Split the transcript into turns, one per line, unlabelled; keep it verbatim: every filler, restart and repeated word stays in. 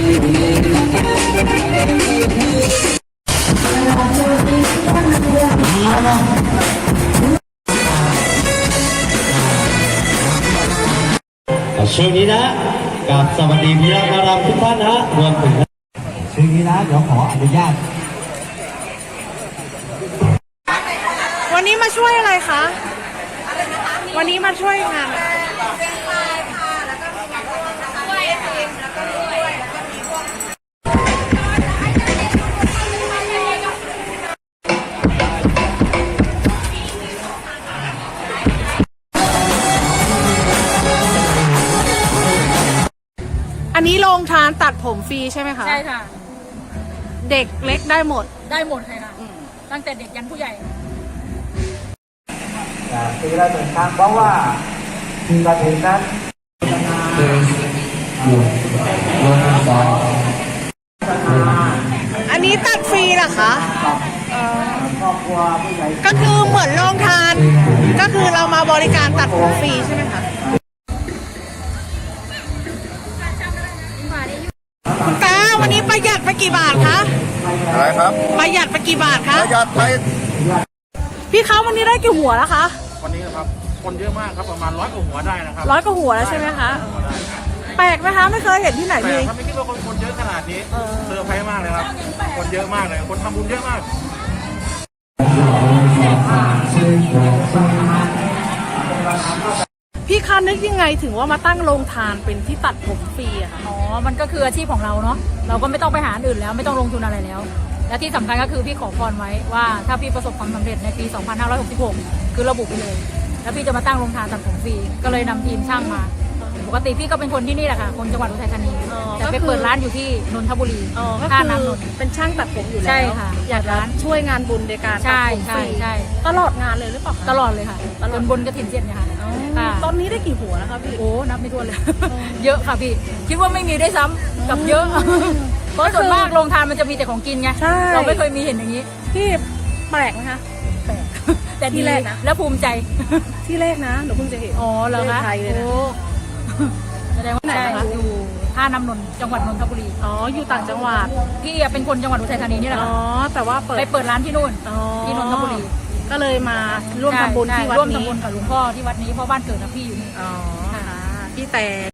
ช่วงนี้นะกับสวัสดีพี่น้องมารำทุกท่านนะรวมถึงช่วงนี้นะเดี๋ยวขออนุญาต
วันนี้มาช่วยอะไรคะวันนี้มาช่วยงานอันนี้โรงทานตัดผมฟรีใช่ไหมคะ
ใช่ค่ะ
เด็กเล็กได้หมด
ได้หมดเลยค่ะตั้งแต่เด็กยันผู้ใหญ่
ปีละหนึ่งครั้งเพราะว่าปีละถึงนั้น
อันนี้ตัดฟรีเหรอคะก็คือเหมือนโรงทานก็คือเรามาบริการตัดผมฟรีใช่ไหมคะคุณตาวันนี้ประหยัดไปกี่บาทคะ
อะไรครับ
ประหยัดไปกี่บาทคะ
ประหยัดไป
พี่เขาวันนี้ได้กี่หัวแล้วคะ
วันนี้นะครับคนเยอะมากครับประมาณร้อยกว่าหัวได้นะครับ
ร้อยกว่าหัวแล้วใช่ไหมคะแปลกไหมคะไม่เคยเห็นที่ไหน
เล
ย
ครับไม่คิดว่าคนคนเยอะขนาดนี้เซอร์ไพรส์มากเลยครับคนเยอะมากเลยคนทำบุญเยอะมาก
พี่คะนึกยังไงถึงว่ามาตั้งโรงทานเป็นที่ตัดผมฟรีอะคะ
อ๋อมันก็คืออาชีพของเราเนาะเราก็ไม่ต้องไปหาอื่นแล้วไม่ต้องลงทุนอะไรแล้วและที่สำคัญก็คือพี่ขอพรไว้ว่าถ้าพี่ประสบความสำเร็จในปีสองพันห้าร้อยหกสิบหกคือระบุไปเลยแล้วพี่จะมาตั้งโรงทานตัดผมฟรีก็เลยนำทีมช่างมาปกติพี่ก็เป็นคนที่นี่แหละค่ะคนจังหวัดอุทัยธานีแต่ไปเปิดร้านอยู่ที่นนทบุรี
ท่าน้ำนนท์เป็นช่างตัดผมอยู่แล้ว
ใช่ค่ะ
อยากร้านช่วยงานบุญในการตัดผมฟรีตลอดงานเลยหรือเปล่า
ตลอดเลยค่ะจนบนกระถิ่นเสร็จเนี่ยค่ะ
ตอนนี้ได้กี่หัวแล้วคะพี่
โอ้นับไม่ถ้วนเลยเยอะค่ะพี่คิดว่าไม่มีได้ซ้ำกับเยอะเพราะส่วนมากโรงทานมันจะมีแต่ของกินไงเราไม่เคยมีเห็นอย่างนี้
พี่แปลกไหมคะ
แปลกแต่ที่แรกนะแล้วภูมิใจ
ที่แรกนะหนูเพิ่งจะเห็น
อ๋อเหรอคะ
ไทยเลยนะ
แสดงว่าใช่อยู่ท่าน้ำนนท์จังหวัดนนทบุรี
อ๋ออยู่ต่างจังหวัด
พี่เป็นคนจังหวัดอุทัยธานีนี่แหละ
อ๋อแต่ว่าเปิด
ไปเปิดร้านที่นู่นที่นนทบุรี
ก็เลยมาร่วมทำบุญที่วัดนี้
ร่วมทำบุญกับหลวงพ่อที่วัดนี้เพราะบ้านเกิดนะพี่อยู่นี่
อ๋อพี่แต่